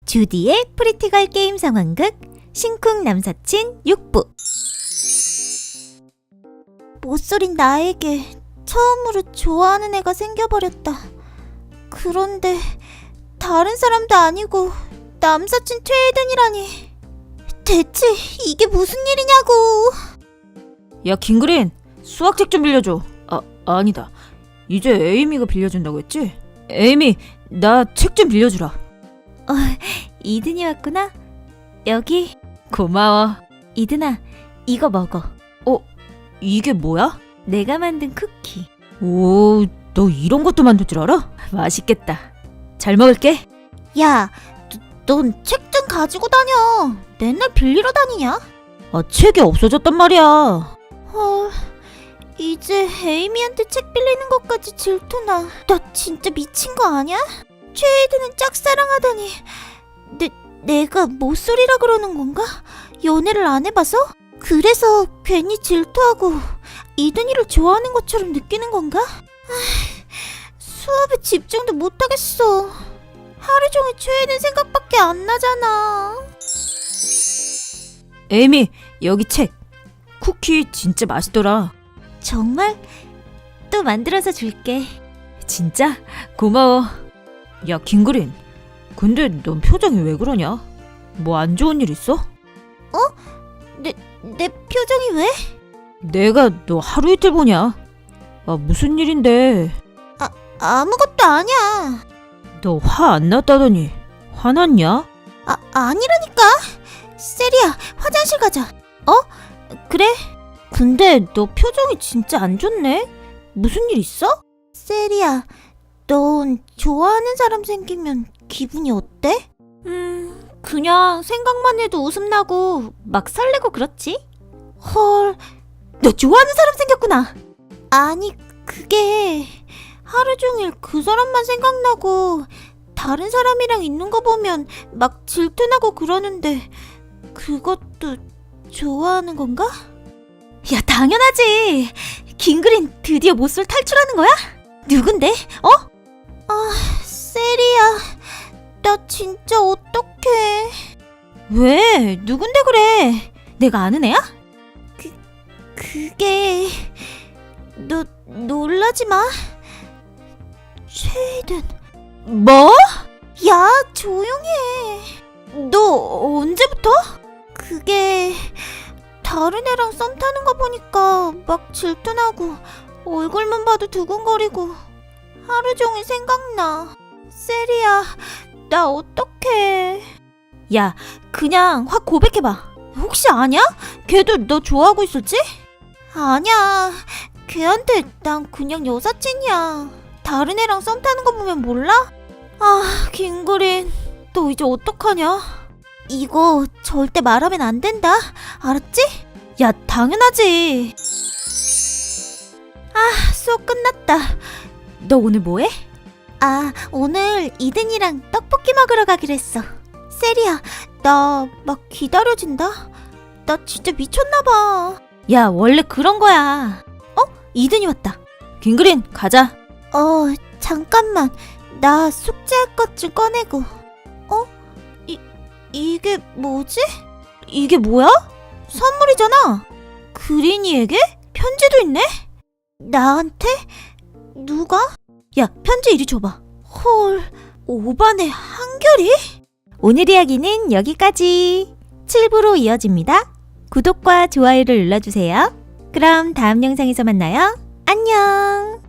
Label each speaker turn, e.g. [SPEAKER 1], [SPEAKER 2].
[SPEAKER 1] 주디의 프리티걸 게임 상황극 신쿵 남사친 6부. 못소린 나에게 처음으로 좋아하는 애가 생겨버렸다. 그런데 다른 사람도 아니고 남사친 최혜든이라니. 대체 이게 무슨 일이냐고.
[SPEAKER 2] 야, 김그린, 수학책 좀 빌려줘. 아니다. 이제 에이미가 빌려준다고 했지? 에이미, 나 책 좀 빌려주라.
[SPEAKER 1] 이든이 왔구나. 여기.
[SPEAKER 2] 고마워.
[SPEAKER 1] 이든아, 이거 먹어.
[SPEAKER 2] 이게 뭐야?
[SPEAKER 1] 내가 만든 쿠키.
[SPEAKER 2] 오, 너 이런 것도 만들 줄 알아? 맛있겠다. 잘 먹을게.
[SPEAKER 1] 야, 넌 책 좀 가지고 다녀. 맨날 빌리러 다니냐?
[SPEAKER 2] 책이 없어졌단 말이야.
[SPEAKER 1] 헐, 이제 에이미한테 책 빌리는 것까지 질투나. 너 진짜 미친 거 아니야? 최혜든은 짝사랑하다니. 내가 모쏠이라 그러는 건가? 연애를 안 해봐서? 그래서 괜히 질투하고 이든이를 좋아하는 것처럼 느끼는 건가? 수업에 집중도 못하겠어. 하루 종일 최혜든 생각밖에 안 나잖아.
[SPEAKER 2] 에이미, 여기 책. 쿠키 진짜 맛있더라.
[SPEAKER 1] 정말? 또 만들어서 줄게.
[SPEAKER 2] 진짜? 고마워. 야, 김그린, 근데 넌 표정이 왜 그러냐? 뭐 안 좋은 일 있어?
[SPEAKER 1] 내 표정이 왜?
[SPEAKER 2] 내가 너 하루 이틀 보냐? 무슨 일인데?
[SPEAKER 1] 아무것도 아니야.
[SPEAKER 2] 너 화 안 났다더니 화났냐?
[SPEAKER 1] 아니라니까. 세리야, 화장실 가자. 그래. 근데 너 표정이 진짜 안 좋네. 무슨 일 있어? 세리야, 넌 좋아하는 사람 생기면 기분이 어때? 그냥 생각만 해도 웃음 나고 막 설레고 그렇지. 헐, 너 좋아하는 사람 생겼구나. 아니, 그게 하루 종일 그 사람만 생각나고 다른 사람이랑 있는 거 보면 막 질투나고 그러는데 그것도 좋아하는 건가? 야, 당연하지. 김그린 드디어 모쏠 탈출하는 거야? 누군데? 세리야, 나 진짜 어떡해. 왜? 누군데 그래? 내가 아는 애야? 그게 너 놀라지 마. 최혜든. 뭐? 야, 조용히 해. 너 언제부터? 그게 다른 애랑 썸 타는 거 보니까 막 질투나고 얼굴만 봐도 두근거리고 하루 종일 생각나. 세리야, 나 어떡해. 야, 그냥 확 고백해봐. 혹시 아냐? 걔도 너 좋아하고 있었지? 아니야, 걔한테 난 그냥 여사친이야. 다른 애랑 썸 타는 거 보면 몰라? 김그린, 너 이제 어떡하냐? 이거 절대 말하면 안 된다. 알았지? 야, 당연하지. 수업 끝났다. 너 오늘 뭐해? 오늘 이든이랑 떡볶이 먹으러 가기로 했어. 세리야, 나 막 기다려진다. 나 진짜 미쳤나봐. 야, 원래 그런 거야. 이든이 왔다.
[SPEAKER 2] 김그린, 가자.
[SPEAKER 1] 잠깐만. 나 숙제할 것 좀 꺼내고. 이게 뭐지? 이게 뭐야? 선물이잖아. 그린이에게? 편지도 있네? 나한테? 누가? 야, 편지 이리 줘봐. 헐, 오반에 한결이? 오늘 이야기는 여기까지. 7부로 이어집니다. 구독과 좋아요를 눌러주세요. 그럼 다음 영상에서 만나요. 안녕.